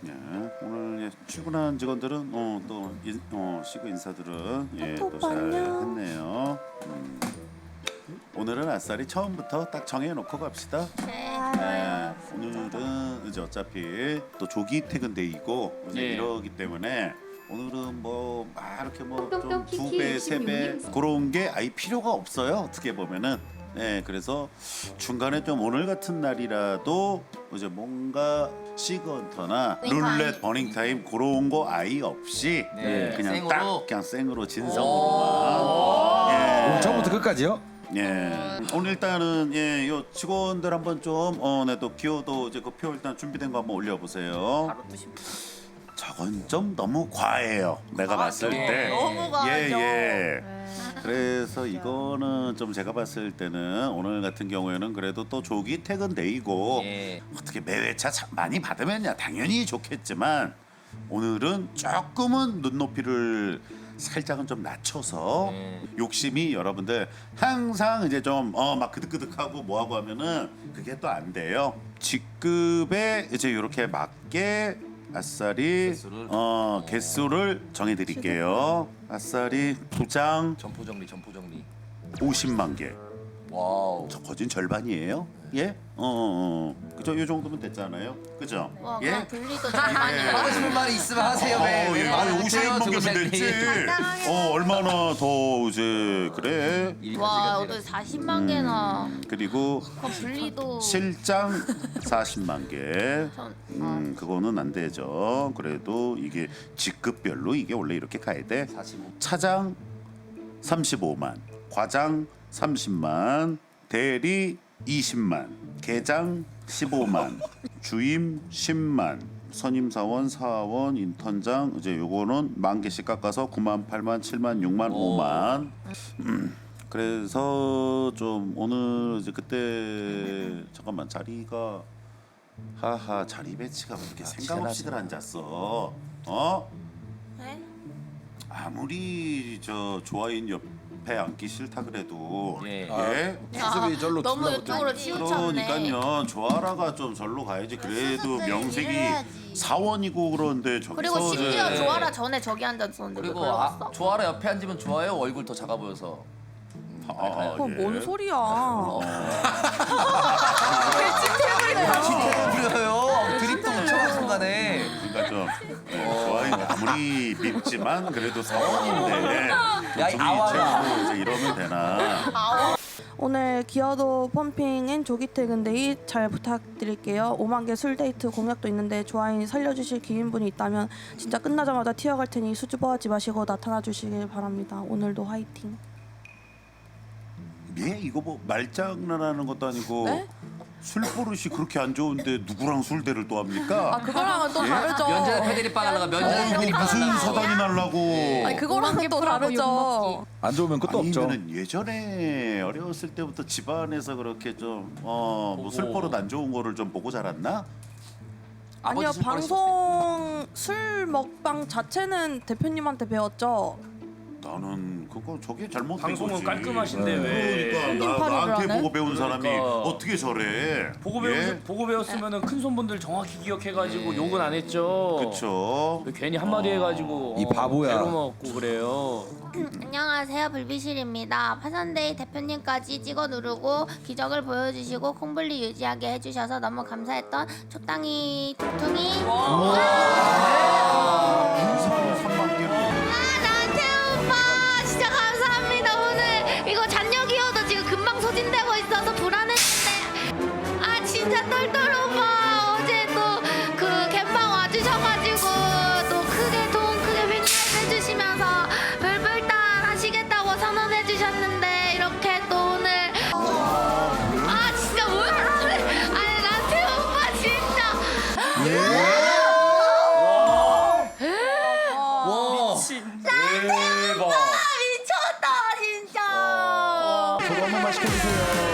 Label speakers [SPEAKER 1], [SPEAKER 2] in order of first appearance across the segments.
[SPEAKER 1] 예, 오늘 출근한 직원들은 시그 인사들은 또 잘 했네요. 오늘은 아싸리 처음부터 딱 정해놓고 갑시다. 오늘은 이제 어차피 또 조기 퇴근데이고 이제 이러기 때문에 오늘은 뭐 막 이렇게 뭐 좀 2배, 3배 그런 게 아예 필요가 없어요. 어떻게 보면은. 그래서 중간에 좀 오늘 같은 날이라도 이제 뭔가 시그헌터나 룰렛 버닝 타임 그런 거 아예 없이 그냥
[SPEAKER 2] 생으로?
[SPEAKER 1] 딱 그냥 생으로 진성으로만.
[SPEAKER 3] 처음부터 끝까지요?
[SPEAKER 1] 오늘 일단은 요 직원들 한번 좀 또 기호도 이제 그 표 일단 준비된 거 한번 올려보세요.
[SPEAKER 2] 바로 뜨십니다.
[SPEAKER 1] 저건 좀 너무 과해요. 내가 봤을 때.
[SPEAKER 4] 너무 과하죠.
[SPEAKER 1] 그래서 이거는 좀 제가 봤을 때는 오늘 같은 경우에는 그래도 또 조기 퇴근 데이고 어떻게 매회차 많이 받으면야 당연히 좋겠지만 오늘은 조금은 눈높이를 살짝은 좀 낮춰서 욕심이 여러분들 항상 이제 좀 막 그득그득하고 뭐하고 하면은 그게 또 안 돼요. 직급에 이제 이렇게 맞게 아싸리 개수를 정해드릴게요. 아싸리 부장
[SPEAKER 2] 점포 정리.
[SPEAKER 1] 50만 개.
[SPEAKER 2] 와우.
[SPEAKER 1] 저 거진 절반이에요. 예? 그죠? 이 정도면 됐잖아요. 그죠?
[SPEAKER 4] 와,
[SPEAKER 1] 예?
[SPEAKER 4] 그냥 분리도 절반이에요.
[SPEAKER 2] 하고 싶은 말이 있으면 하세요. 왜?
[SPEAKER 1] 아니 50만 개면 됐지. 얼마나 더 이제 그래?
[SPEAKER 4] 와, 오늘 40만 개나.
[SPEAKER 1] 그리고
[SPEAKER 4] 그 분리도.
[SPEAKER 1] 실장 40만 개.
[SPEAKER 4] 전,
[SPEAKER 1] 그거는 안 되죠. 그래도 이게 직급별로 이게 원래 이렇게 가야 돼.
[SPEAKER 2] 45.
[SPEAKER 1] 차장 35만, 과장 30만, 대리 20만, 계장 15만, 주임 10만, 선임 사원, 사원, 인턴장 이제 요거는 만 개씩 깎아서 9만, 8만, 7만, 6만, 5만. 그래서 좀 오늘 이제 그때 잠깐만 자리가 하하 자리 배치가 그렇게 생각 없이들 앉았어.
[SPEAKER 4] 네?
[SPEAKER 1] 아무리 저 조아인 옆에 앉기 싫다 그래도
[SPEAKER 2] 예.
[SPEAKER 3] 수습이 절로
[SPEAKER 4] 너무
[SPEAKER 3] 둘러붙어
[SPEAKER 4] 이쪽으로 치우쳤네.
[SPEAKER 1] 그러니까요 조아라가 좀 절로 가야지. 그래도
[SPEAKER 4] 수습을
[SPEAKER 1] 명색이
[SPEAKER 4] 해야지.
[SPEAKER 1] 사원이고 그런데
[SPEAKER 4] 그리고
[SPEAKER 1] 저기서
[SPEAKER 4] 심지어
[SPEAKER 1] 이제
[SPEAKER 4] 조아라 전에 저기 앉았었는데 왜
[SPEAKER 2] 그리고
[SPEAKER 4] 걸어갔어?
[SPEAKER 2] 조아라 옆에 앉으면 좋아요. 얼굴 더 작아 보여서.
[SPEAKER 5] 뭔 소리야?
[SPEAKER 2] 부려요. 드립도 엄청 순간에.
[SPEAKER 1] 그러니까 좀 조아인 아무리 밉지만 그래도 사원인데
[SPEAKER 2] 야, 이 아와라.
[SPEAKER 1] 제대로 이제 이러면 되나?
[SPEAKER 5] 오늘 기어도 펌핑 앤 조기 퇴근데이 잘 부탁드릴게요. 5만 개 술 데이트 공약도 있는데 조아인 살려주실 기인분이 있다면 진짜 끝나자마자 튀어갈 테니 수줍어하지 마시고 나타나 주시길 바랍니다. 오늘도 화이팅.
[SPEAKER 1] 예? 이거 뭐 말장난하는 것도 아니고
[SPEAKER 5] 네?
[SPEAKER 1] 술 버릇이 그렇게 안 좋은데 누구랑 술대를 또 합니까?
[SPEAKER 5] 그거랑은 또 다르죠.
[SPEAKER 2] 면제나 패드립 빵 하려가 면제나 패드립 빵
[SPEAKER 1] 무슨
[SPEAKER 2] 하려가.
[SPEAKER 1] 서당이 날라고?
[SPEAKER 5] 아니 그거랑은 또 다르죠.
[SPEAKER 3] 안 좋으면 끝도 없죠.
[SPEAKER 1] 아니면은 예전에 어렸을 때부터 집안에서 그렇게 좀 뭐 술버릇 안 좋은 거를 좀 보고 자랐나?
[SPEAKER 5] 아니요,
[SPEAKER 2] 아버지 술 버릇이
[SPEAKER 5] 방송 술 먹방 자체는 대표님한테 배웠죠.
[SPEAKER 1] 나는 그거 저게 잘못된
[SPEAKER 6] 방송은
[SPEAKER 1] 거지.
[SPEAKER 6] 깔끔하신데 왜
[SPEAKER 1] 그러니까
[SPEAKER 5] 팔이를
[SPEAKER 1] 나한테
[SPEAKER 5] 하네?
[SPEAKER 1] 보고 배운 사람이
[SPEAKER 6] 그러니까.
[SPEAKER 1] 어떻게 저래?
[SPEAKER 6] 보고 배웠으면은 큰 손분들 정확히 기억해가지고 욕은 안 했죠.
[SPEAKER 1] 그렇죠.
[SPEAKER 6] 괜히 한마디 해가지고
[SPEAKER 3] 이 바보야.
[SPEAKER 6] 배로 먹고 그래요.
[SPEAKER 4] 안녕하세요, 불비실입니다. 파산데이 대표님까지 찍어 누르고 기적을 보여주시고 콩블리 유지하게 해주셔서 너무 감사했던 적당히 퉁퉁이.
[SPEAKER 1] 인사 3만 개로.
[SPEAKER 4] 나한테 오빠 진짜 감사합니다. 오늘 이거 잔여 기여도 지금 금방 소진되고 있어서 불안했는데 진짜 똘똘 오빠 어제 또 그 갬방 와주셔가지고 또 크게 돈 크게 횡단 해주시면서 별별단 하시겠다고 선언해주셨는데 이렇게 또 오늘 진짜 뭐야 나한테 오빠 진짜
[SPEAKER 2] 와.
[SPEAKER 6] 대박.
[SPEAKER 4] 미쳤다 진짜.
[SPEAKER 3] 저도 한 번만 시켜주세요.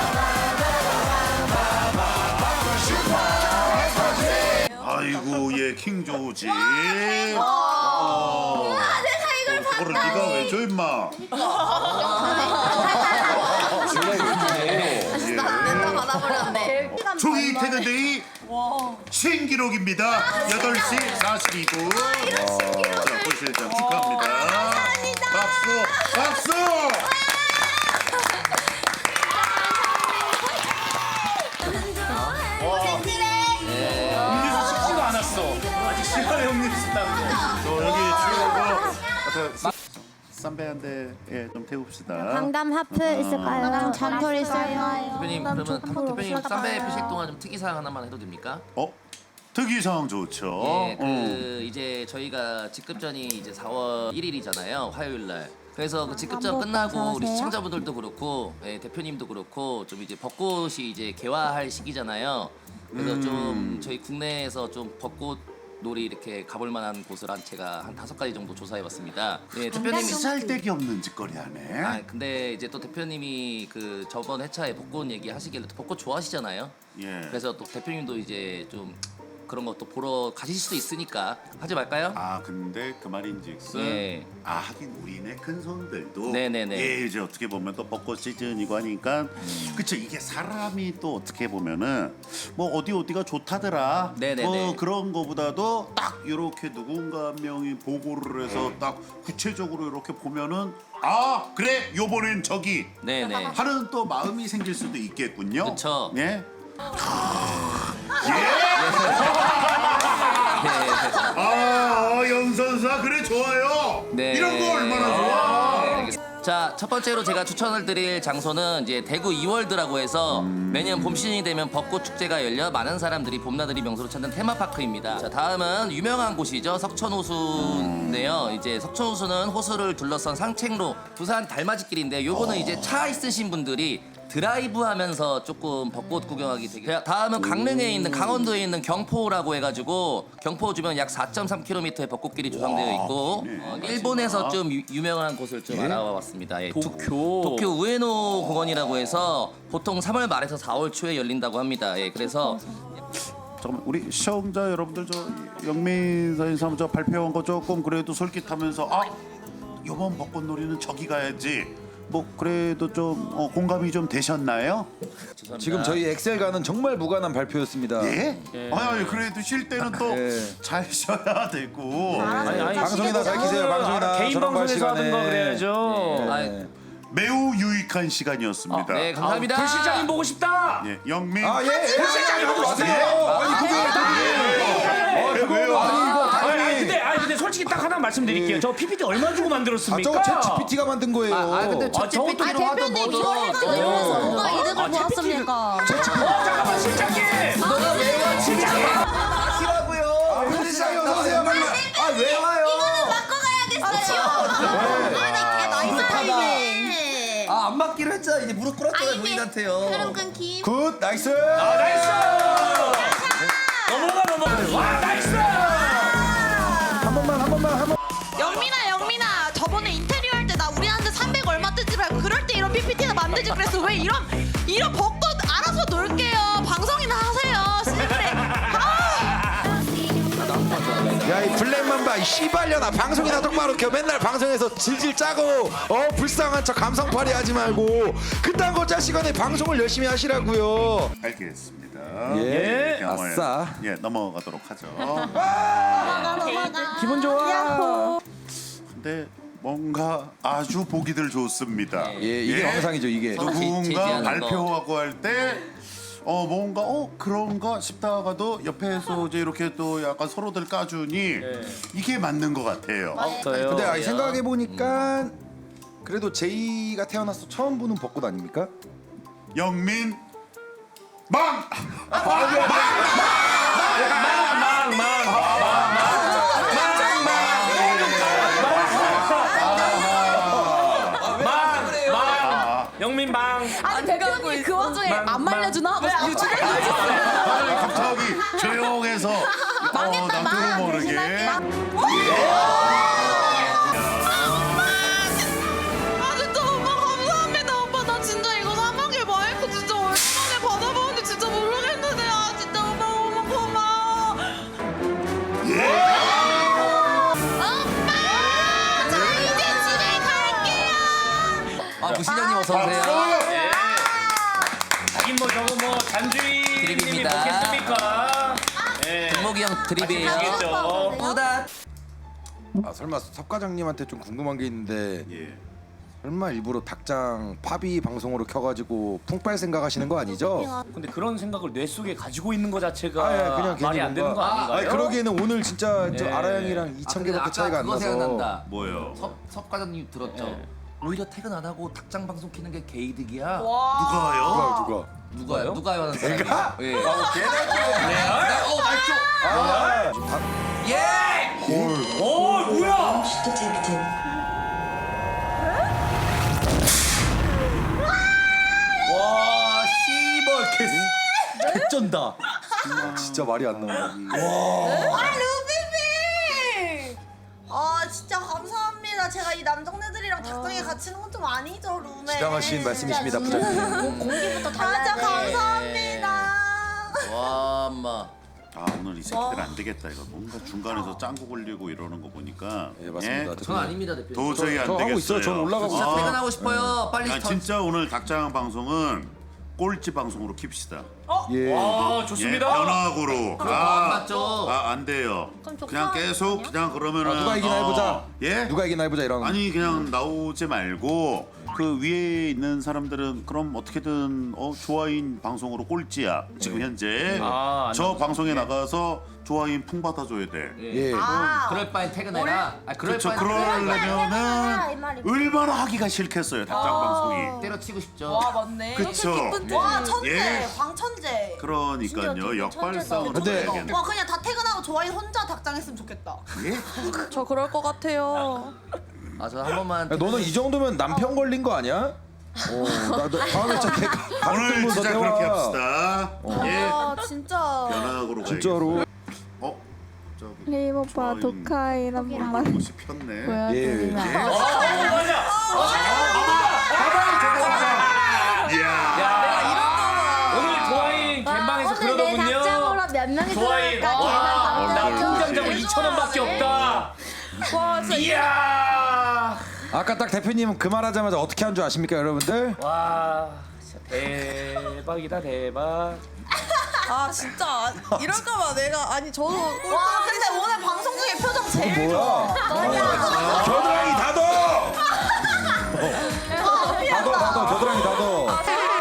[SPEAKER 1] 아이고 얘 킹 조지.
[SPEAKER 4] 내가 이걸
[SPEAKER 1] 그거를 네가 왜 줘 임마?
[SPEAKER 4] 낸다 받아버렸네.
[SPEAKER 1] 조기 퇴근데이 신기록입니다. 8시 42분. 자, 부실장 축하합니다. 박수, 박수.
[SPEAKER 6] 음료수 식지도 않았어. 아직 시간에 음료수 남고.
[SPEAKER 1] 저 여기 치우고 쌈배 한 대 좀 태웁시다.
[SPEAKER 7] 강담 하프 있을까요? 잔털 있어요.
[SPEAKER 2] 대표님 그러면 대표님 쌈배 피실 동안 좀 특이사항 하나만 해도 됩니까?
[SPEAKER 1] 특이사항 좋죠.
[SPEAKER 2] 예, 그 이제 저희가 직급전이 이제 4월 1일이잖아요. 화요일 날. 그래서 그 직급전 끝나고 우리 시청자분들도 그렇고 예, 대표님도 그렇고 좀 이제 벚꽃이 이제 개화할 시기잖아요. 그래서 좀 저희 국내에서 좀 벚꽃 놀이 이렇게 가볼 만한 곳을 제가 한 5가지 정도 조사해봤습니다. 예, 대표님이
[SPEAKER 1] 쌀데기 없는 짓거리 하네.
[SPEAKER 2] 아 근데 이제 또 대표님이 그 저번 회차에 벚꽃 얘기 하시길래 또 벚꽃 좋아하시잖아요.
[SPEAKER 1] 예.
[SPEAKER 2] 그래서 또 대표님도 이제 좀 그런 것도 보러 가실 수도 있으니까 하지 말까요?
[SPEAKER 1] 아 근데 그 말인즉슨
[SPEAKER 2] 예.
[SPEAKER 1] 하긴 우리네 큰 손들도
[SPEAKER 2] 네네네.
[SPEAKER 1] 예 이제 어떻게 보면 또 벚꽃 시즌이고 하니까 그쵸 이게 사람이 또 어떻게 보면은 뭐 어디가 좋다더라
[SPEAKER 2] 네네네.
[SPEAKER 1] 뭐 그런 거보다도 딱 이렇게 누군가 한 명이 보고를 해서 딱 구체적으로 이렇게 보면은 아 그래 요번엔 저기
[SPEAKER 2] 네네.
[SPEAKER 1] 하는 또 마음이 생길 수도 있겠군요.
[SPEAKER 2] 그쵸.
[SPEAKER 1] 예. 영선사 그래 좋아요.
[SPEAKER 2] 네.
[SPEAKER 1] 이런 거 얼마나 좋아.
[SPEAKER 2] 자, 첫 번째로 제가 추천을 드릴 장소는 이제 대구 이월드라고 해서 매년 봄 시즌이 되면 벚꽃 축제가 열려 많은 사람들이 봄나들이 명소로 찾는 테마파크입니다. 자, 다음은 유명한 곳이죠. 석천호수인데요. 이제 석천호수는 호수를 둘러싼 산책로, 부산 달맞이길인데 요거는 이제 차 있으신 분들이 드라이브 하면서 조금 벚꽃 구경하기 되게. 다음은 강릉에 있는 강원도에 있는 경포라고 해가지고 경포 주변 약 4.3km의 벚꽃길이 조성되어 있고 일본에서 좀 유명한 곳을 좀 알아봤습니다. 예, 도쿄 우에노 공원이라고 해서 보통 3월 말에서 4월 초에 열린다고 합니다. 예, 그래서
[SPEAKER 1] 잠깐만 우리 시청자 여러분들 저 영민 선생님 저 발표한 거 조금 그래도 솔깃하면서 아 이번 벚꽃놀이는 저기 가야지. 뭐 그래도 좀 공감이 좀 되셨나요?
[SPEAKER 2] 죄송합니다.
[SPEAKER 3] 지금 저희 엑셀과는 정말 무관한 발표였습니다.
[SPEAKER 1] 예? 아니 그래도 쉴 때는 또
[SPEAKER 3] 예.
[SPEAKER 1] 잘 쉬어야 되고.
[SPEAKER 3] 방송이나 밝히세요. 방송이나
[SPEAKER 6] 개인
[SPEAKER 3] 저런 거 할
[SPEAKER 6] 방송에서 하든가
[SPEAKER 3] 시간에.
[SPEAKER 6] 그래야죠.
[SPEAKER 2] 아,
[SPEAKER 1] 매우 유익한 시간이었습니다.
[SPEAKER 2] 네, 감사합니다.
[SPEAKER 6] 불 실장님 보고 싶다.
[SPEAKER 1] 예, 영민.
[SPEAKER 3] 실장님 하고 마세요. 아니
[SPEAKER 1] 왜요?
[SPEAKER 6] 근데 솔직히 딱 하나 말씀드릴게요. 저 PPT 얼마 주고 만들었습니까?
[SPEAKER 3] 저거 챗 GPT가 만든 거예요.
[SPEAKER 2] 근데
[SPEAKER 6] 저것도
[SPEAKER 2] 챗GPT로 하던 뭐든
[SPEAKER 5] 뭐가 이득을 보았습니까?
[SPEAKER 6] 잠깐만 실장님.
[SPEAKER 2] 너가 왜 와?
[SPEAKER 3] 하시라고요. 실장님 어서 오세요. 빨리. 왜 와요?
[SPEAKER 2] 안 맞기로 했잖아. 이제 무릎 꿇었잖아요, 본인한테요.
[SPEAKER 4] 흐름 끊김.
[SPEAKER 3] 굿 나이스.
[SPEAKER 6] 나이스. 넘어가. 와 나이스.
[SPEAKER 3] 한 번만.
[SPEAKER 8] 영민아 저번에 인테리어 할 때 나 우리한테 300 얼마 뜨지 말고 그럴 때 이런 PPT나 만들지 그랬어. 왜 이런 벚꽃 알아서 놀게요. 방송이나 하세요. 씨발에.
[SPEAKER 3] 야 이 블랙맘바 이 씨발려나 방송이나 똑바로 켜. 맨날 방송에서 질질 짜고 불쌍한 척 감성팔이 하지 말고 그딴 거 짤 시간에 방송을 열심히 하시라고요.
[SPEAKER 1] 알겠습니다.
[SPEAKER 3] 예.
[SPEAKER 1] 그냥
[SPEAKER 3] 아싸.
[SPEAKER 1] 예, 넘어가도록 하죠.
[SPEAKER 6] 기분 좋아.
[SPEAKER 1] 근데 뭔가 아주 보기들 좋습니다.
[SPEAKER 3] 예 이게 영상이죠 이게.
[SPEAKER 2] 서로
[SPEAKER 1] 누군가
[SPEAKER 2] 제지하는
[SPEAKER 1] 발표하고 할 때 뭔가 그런가 싶다가도 옆에서 이제 이렇게 또 약간 서로들 까주니 이게 맞는 것 같아요.
[SPEAKER 3] 근데 생각해 보니까 그래도 제이가 태어나서 처음 보는 벚꽃 아닙니까?
[SPEAKER 1] 영민 망!
[SPEAKER 6] 영민방.
[SPEAKER 8] 아니 대표님 그 와중에 안 말려주나? 유주를
[SPEAKER 1] 갑자기 조용해서 나도 모르게
[SPEAKER 8] 아 진짜 오빠 감사합니다. 오빠 나 진짜 이거 3학기 마이크 진짜 오랜만에 받아보는데 진짜 모르겠는데 진짜 오빠 너무 고마워.
[SPEAKER 2] 어서 오세요.
[SPEAKER 6] 하긴 뭐 저거 뭐 잔주인님이
[SPEAKER 2] 드립입니다.
[SPEAKER 6] 먹겠습니까? 예.
[SPEAKER 2] 금목이 형 드립이에요.
[SPEAKER 6] 아시겠죠?
[SPEAKER 2] 뿌다.
[SPEAKER 3] 아 설마 섭 과장님한테 좀 궁금한 게 있는데
[SPEAKER 1] 예.
[SPEAKER 3] 설마 일부러 닭장 팝이 방송으로 켜가지고 풍빨 생각하시는 거 아니죠?
[SPEAKER 6] 근데 그런 생각을 뇌 속에 가지고 있는 거 자체가
[SPEAKER 3] 아, 예, 그냥
[SPEAKER 6] 말이
[SPEAKER 3] 괜히
[SPEAKER 6] 안 되는 거
[SPEAKER 3] 뭔가-
[SPEAKER 6] 아닌가요?
[SPEAKER 3] 아니, 그러기에는 오늘 진짜 저
[SPEAKER 6] 예.
[SPEAKER 3] 아라양이랑 2,000개밖에 차이가 안
[SPEAKER 2] 그거
[SPEAKER 3] 나서
[SPEAKER 2] 생각난다.
[SPEAKER 1] 뭐요?
[SPEAKER 2] 섭 과장님 들었죠?
[SPEAKER 6] 네.
[SPEAKER 2] 오히려 퇴근 안 하고 닭장 방송 키는 게 게이득이야.
[SPEAKER 1] 누가요?
[SPEAKER 3] 누가?
[SPEAKER 2] 누가요 하는 사람이.
[SPEAKER 3] 내가?
[SPEAKER 2] 예.
[SPEAKER 3] 걔네
[SPEAKER 2] 말죠. 예.
[SPEAKER 6] 오 뭐야?
[SPEAKER 2] 와 씨벌 개쩐다.
[SPEAKER 3] 진짜 말이 안 나와.
[SPEAKER 8] 루비비! 아 진짜 감사합니다. 제가 이 남정네들이랑 닭장에 갇히는 건 좀 아니죠, 루메.
[SPEAKER 3] 지당하신 말씀이십니다, 부장님.
[SPEAKER 4] 공기부터
[SPEAKER 8] 진짜
[SPEAKER 4] 달라야 돼.
[SPEAKER 8] 감사합니다.
[SPEAKER 2] 와 엄마.
[SPEAKER 1] 아 오늘 이 새끼들 안 되겠다 이거 뭔가 중간에서 짱구 걸리고 이러는 거 보니까
[SPEAKER 3] 예 맞습니다.
[SPEAKER 2] 전 아닙니다 대표님.
[SPEAKER 1] 도저히 안
[SPEAKER 3] 저
[SPEAKER 1] 되겠어요.
[SPEAKER 3] 하고 있어요. 전 올라가고
[SPEAKER 2] 진짜
[SPEAKER 3] 있어요.
[SPEAKER 2] 퇴근하고 싶어요. 빨리
[SPEAKER 1] 아, 진짜 오늘 닭장 방송은 꼴찌 방송으로 킵시다.
[SPEAKER 3] 예.
[SPEAKER 6] 아
[SPEAKER 1] 예,
[SPEAKER 6] 좋습니다.
[SPEAKER 1] 변화구로.
[SPEAKER 2] 안 맞죠?
[SPEAKER 1] 안 돼요.
[SPEAKER 4] 그럼
[SPEAKER 1] 그냥 계속 그냥 그러면은
[SPEAKER 3] 누가 이기나 해보자.
[SPEAKER 1] 예?
[SPEAKER 3] 누가 이기나 해보자 이런.
[SPEAKER 1] 아니 그냥 나오지 말고 그 위에 있는 사람들은 그럼 어떻게든 조아인 방송으로 꼴찌야 지금 현재
[SPEAKER 6] 아,
[SPEAKER 1] 저 방송에 나가서 조아인 풍 받아줘야 돼.
[SPEAKER 3] 예.
[SPEAKER 2] 그럴 바엔 퇴근해라. 아 그럴
[SPEAKER 1] 그렇죠.
[SPEAKER 2] 바엔
[SPEAKER 1] 그러려면은 얼마나 하기가 싫겠어요 닭장 방송이.
[SPEAKER 2] 때려치고 싶죠.
[SPEAKER 8] 와 맞네.
[SPEAKER 1] 그쵸.
[SPEAKER 8] 와 천재,
[SPEAKER 1] 예.
[SPEAKER 8] 광천재.
[SPEAKER 1] 그러니까요 역발상으로
[SPEAKER 3] 근데-
[SPEAKER 1] 해야겠네.
[SPEAKER 8] 와 그냥 다 퇴근하고 조아인 혼자 닭장 했으면 좋겠다.
[SPEAKER 5] 저 그럴 것 같아요.
[SPEAKER 2] 아 저 한 번만.
[SPEAKER 3] 야, 너는 이 정도면 남편 걸린 거 아니야? 나도 다음에 저
[SPEAKER 1] 오늘 진짜 그렇게 합시다. 예.
[SPEAKER 8] 아 진짜.
[SPEAKER 1] 변화구로
[SPEAKER 3] 진짜로.
[SPEAKER 1] 갑자기
[SPEAKER 7] 레임 오빠
[SPEAKER 1] 조아인
[SPEAKER 7] 독하인 한 번만
[SPEAKER 1] 옷이 폈네.
[SPEAKER 7] 보여드리면 안 돼요?
[SPEAKER 1] 이야.
[SPEAKER 6] 오늘 조아인 갬방에서 그러더군요.
[SPEAKER 4] 몇 명이
[SPEAKER 6] 조아인 나 통장자고 2,000원밖에 없다.
[SPEAKER 5] 와 진짜
[SPEAKER 6] 이야.
[SPEAKER 3] 아까 딱 대표님 그 말하자마자 어떻게 한 줄 아십니까 여러분들?
[SPEAKER 6] 와 진짜 대박이다 대박.
[SPEAKER 5] 아 진짜 이럴까봐 내가 아니 저도
[SPEAKER 8] 와 근데 오늘 방송 중에 표정 제일 좋아.
[SPEAKER 3] 뭐야? 겨드랑이 닫어! 닫어 겨드랑이 닫어.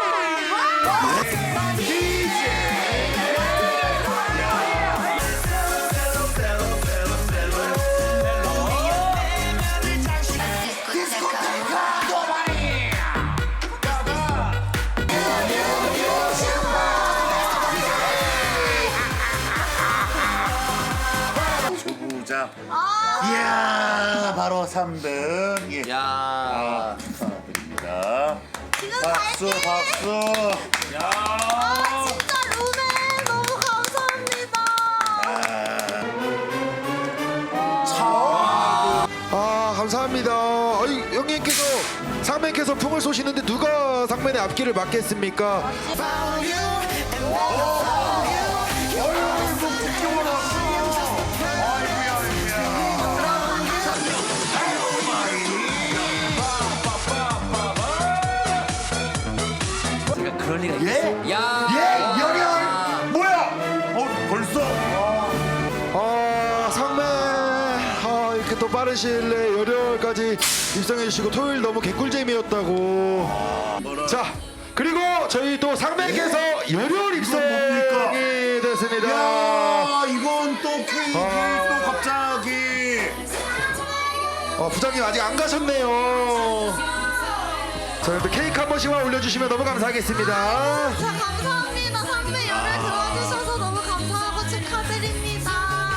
[SPEAKER 1] 조부장. 이야 바로 3등. 예.
[SPEAKER 2] 야.
[SPEAKER 1] 축하드립니다. 박수 박수.
[SPEAKER 8] 진짜 루메 너무 감사합니다.
[SPEAKER 3] 아 감사합니다. 아니 형님께서 상맨께서 풍을 쏘시는데 누가 상맨의 앞길을 막겠습니까?
[SPEAKER 2] 제가 그럴 리가 있겠어. 야.
[SPEAKER 1] 예 열혈 뭐야? 벌써?
[SPEAKER 3] 아 상맨 이렇게 또 빠른 시일 내에 열혈까지 입성해 주시고 토요일 너무 개꿀잼이었다고. 자 그리고 저희 또 상맨께서 열혈 입성이
[SPEAKER 1] 뭡니까?
[SPEAKER 3] 됐습니다.
[SPEAKER 1] 야 이건 또 케이크 또 갑자기.
[SPEAKER 3] 부장님 아직 안 가셨네요. 저희한테 케이크 한 번씩만 올려주시면 너무 감사하겠습니다.
[SPEAKER 8] 자 감사합니다. 선배 열을 들어주셔서 너무 감사하고 축하드립니다.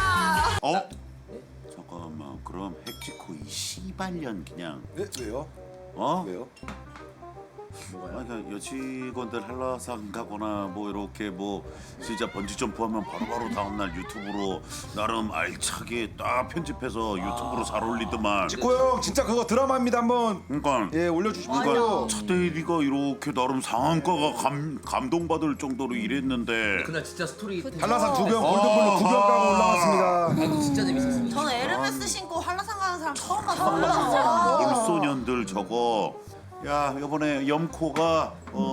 [SPEAKER 1] 잠깐만 그럼 핵지코 이 씨발년 그냥
[SPEAKER 3] 네? 왜요? 왜요?
[SPEAKER 1] 뭐가요? 그러니까 여직원들 한라산 가거나 뭐 이렇게 뭐 진짜 번지 점프하면 바로바로 다음날 유튜브로 나름 알차게 딱 편집해서 유튜브로 잘 올리더만.
[SPEAKER 3] 지코 형 진짜 그거 드라마입니다. 한번
[SPEAKER 1] 그러니까
[SPEAKER 3] 예 올려주십시오.
[SPEAKER 1] 그러니까 차대리가 이렇게 나름 상한가가 감동받을 정도로 일했는데
[SPEAKER 2] 그날 진짜 스토리.
[SPEAKER 3] 한라산 2병 골든블루 2병 까고 올라왔습니다.
[SPEAKER 2] 진짜 재밌었습니다.
[SPEAKER 8] 저는 에르메스 신고 한라산 가는 사람 처음 봤어요.
[SPEAKER 1] 물소년들 저거 야 이번에 염코가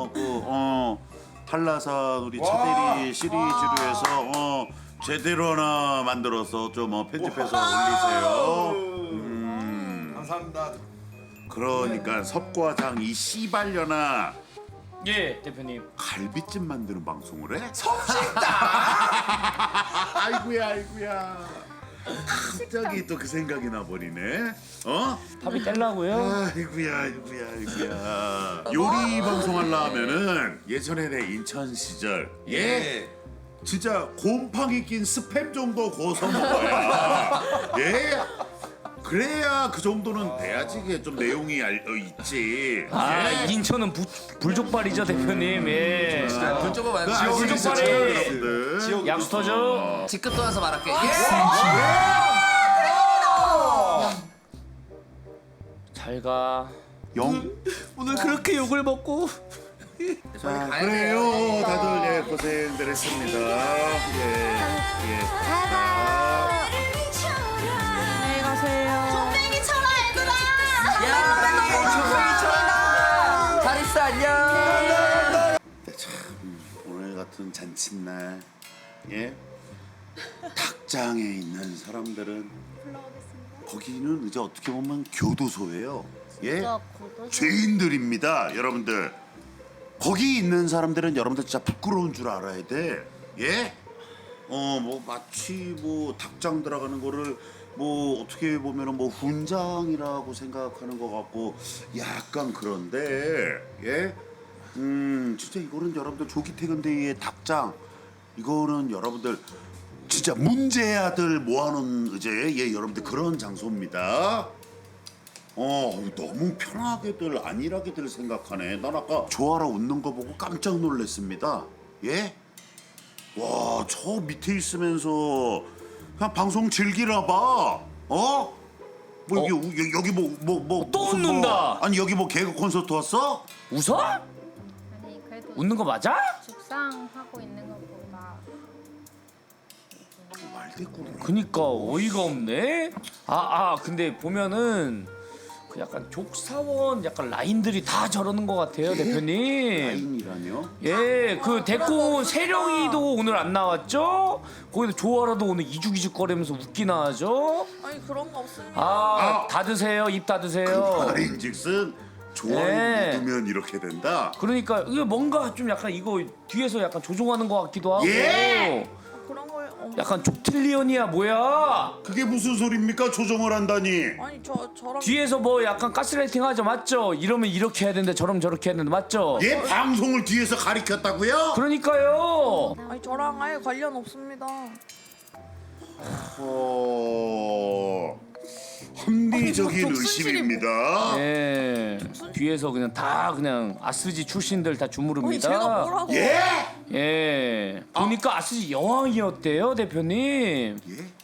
[SPEAKER 1] 한라산 우리 차대리 시리즈로 해서 제대로 하나 만들어서 좀 편집해서 올리세요.
[SPEAKER 3] 감사합니다.
[SPEAKER 1] 그러니까 섭과장 이 씨발려나
[SPEAKER 6] 예, 대표님.
[SPEAKER 1] 갈비찜 만드는 방송을 해? 아이고야. 갑자기 또 그 생각이 나버리네.
[SPEAKER 6] 답이 떼려고요?
[SPEAKER 1] 아이고야. 요리 방송 하려면은 예전에 내 인천 시절 진짜 곰팡이 낀 스팸 정도 구워서 먹어야 그래야 그 정도는 돼야지 그게 좀 내용이 있지.
[SPEAKER 6] 인천은 불족발이죠, 대표님. 예.
[SPEAKER 2] 불조금 많이
[SPEAKER 6] 불족발이
[SPEAKER 1] 여러분들.
[SPEAKER 6] 약수터죠.
[SPEAKER 2] 직급 떠나서 말할게.
[SPEAKER 6] 잘 가.
[SPEAKER 3] 오늘 그렇게 욕을 먹고
[SPEAKER 1] 자, 그래요. 다들 고생들 했습니다.
[SPEAKER 5] 안녕히 가세요.
[SPEAKER 8] 뺑이 쳐라 얘들아.
[SPEAKER 2] 잘 있어, 안녕.
[SPEAKER 1] 오늘 같은 잔칫날 닭장에 있는 사람들은 거기는 이제 어떻게 보면 교도소예요. 죄인들입니다, 여러분들. 거기 있는 사람들은 여러분들 진짜 부끄러운 줄 알아야 돼. 뭐 마치 뭐 닭장 들어가는 거를 뭐 어떻게 보면은 뭐 훈장이라고 생각하는 것 같고 약간 그런데 진짜 이거는 여러분들 조기 퇴근데이의 닭장 이거는 여러분들 진짜 문제아들 모아놓은 이제 여러분들 그런 장소입니다. 너무 편하게들 안일하게들 생각하네. 난 아까 조아라 웃는 거 보고 깜짝 놀랐습니다. 와, 저 밑에 있으면서 그냥 방송 즐기나 봐. 뭐 여기 뭐
[SPEAKER 6] 또
[SPEAKER 1] 무슨
[SPEAKER 6] 웃는다.
[SPEAKER 1] 아니 여기 뭐 개그 콘서트 왔어?
[SPEAKER 6] 웃어?
[SPEAKER 7] 아니 그래도
[SPEAKER 6] 웃는 거 맞아?
[SPEAKER 7] 죽상하고 있는 것보다
[SPEAKER 1] 말대꾸네.
[SPEAKER 6] 그니까 어이가 없네. 근데 보면은 그 약간 족사원 약간 라인들이 다 저러는 것 같아요, 대표님.
[SPEAKER 1] 라인이라뇨?
[SPEAKER 6] 예, 그 대꾸 세령이도 오늘 안 나왔죠? 거기도 조아라도 오늘 이죽이죽거리면서 웃기나 하죠?
[SPEAKER 5] 아니 그런 거 없습니다.
[SPEAKER 6] 다 드세요, 입 다 드세요.
[SPEAKER 1] 말인즉슨 좋아요 묻으면 이렇게 된다.
[SPEAKER 6] 그러니까 이게 뭔가 좀 약간 이거 뒤에서 약간 조종하는 것 같기도 하고.
[SPEAKER 5] 그런 걸
[SPEAKER 6] 약간 족틀리언이야 뭐야?
[SPEAKER 1] 그게 무슨 소리입니까? 조정을 한다니.
[SPEAKER 5] 아니 저랑
[SPEAKER 6] 뒤에서 뭐 약간 가스라이팅 하죠, 맞죠? 이러면 이렇게 해야 되는데 저러면 저렇게 해야 되는데, 맞죠?
[SPEAKER 1] 방송을 뒤에서 가리켰다고요?
[SPEAKER 6] 그러니까요.
[SPEAKER 5] 아니 저랑 아예 관련 없습니다.
[SPEAKER 1] 합리적인 의심입니다.
[SPEAKER 6] 예. 뒤에서 그냥 다 그냥 아스지 출신들 다 주무릅니다.
[SPEAKER 5] 제가 뭐라고?
[SPEAKER 6] 예. 보니까 아스지 여왕이었대요, 대표님.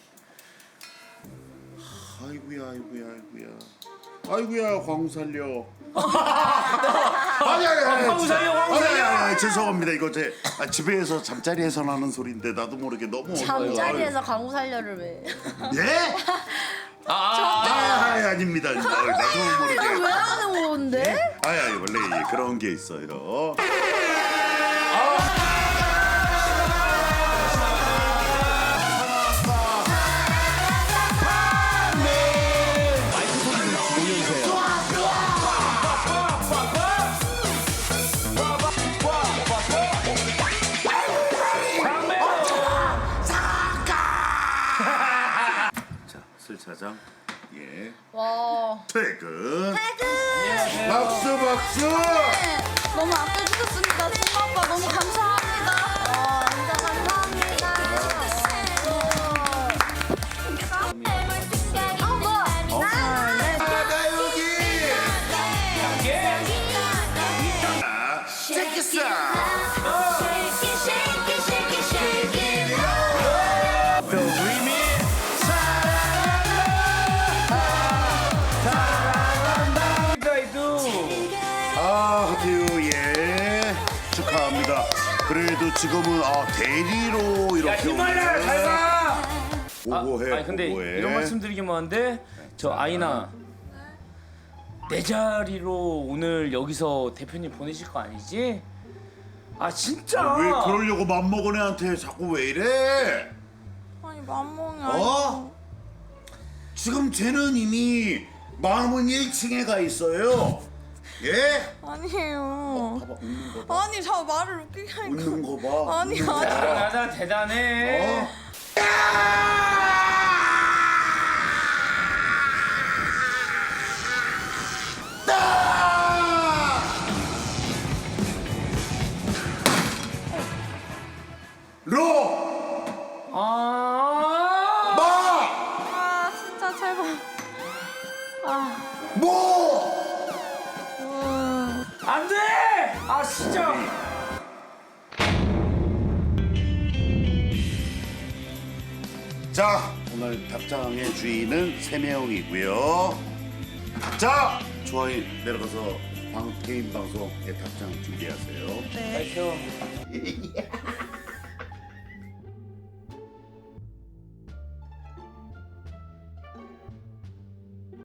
[SPEAKER 1] 아이고야 광살려.
[SPEAKER 6] 광살려.
[SPEAKER 1] 죄송합니다. 이거 제 집에서 잠자리에서 나는 소리인데 나도 모르게 너무
[SPEAKER 7] 잠자리에서 강우 살려를 왜?
[SPEAKER 1] 아닙니다. 나도 모르게.
[SPEAKER 7] 왜 하는 건데?
[SPEAKER 1] 원래 그런 게 있어요. 차장
[SPEAKER 7] 와.
[SPEAKER 1] 퇴근. 박수.
[SPEAKER 7] 너무 아껴주셨습니다. 승마 오빠 너무 감사합니다. 진짜 감사합니다.
[SPEAKER 1] 축하합니다. 그래도 지금은 대리로 이렇게
[SPEAKER 6] 히말라야 잘 가.
[SPEAKER 1] 보고해.
[SPEAKER 6] 근데 이런 말씀드리긴 뭐한데 저 아이나 내 자리로 오늘 여기서 대표님 보내실 거 아니지? 아 진짜.
[SPEAKER 1] 왜 그러려고 맘먹은 애한테 자꾸 왜 이래?
[SPEAKER 5] 아니 맘먹이
[SPEAKER 1] 어? 지금 쟤는 이미 마음은 1층에 가 있어요. 예?
[SPEAKER 5] 아니에요.
[SPEAKER 1] 봐봐 웃는 거 봐.
[SPEAKER 5] 아니 저 말을 웃기게 하니까.
[SPEAKER 1] 웃는 거 봐.
[SPEAKER 5] 아니
[SPEAKER 1] 웃는 거
[SPEAKER 5] 아니.
[SPEAKER 1] 봐.
[SPEAKER 6] 대단하다 대단해.
[SPEAKER 1] 어? 로!
[SPEAKER 6] 아.
[SPEAKER 1] 마!
[SPEAKER 5] 아 진짜 제발.
[SPEAKER 1] 모!
[SPEAKER 6] 안 돼! 아 진짜.
[SPEAKER 1] 자, 오늘 닭장의 주인은 3명이고요. 자, 조아인 내려가서 개인 방송의 닭장 준비하세요.
[SPEAKER 6] 파이팅.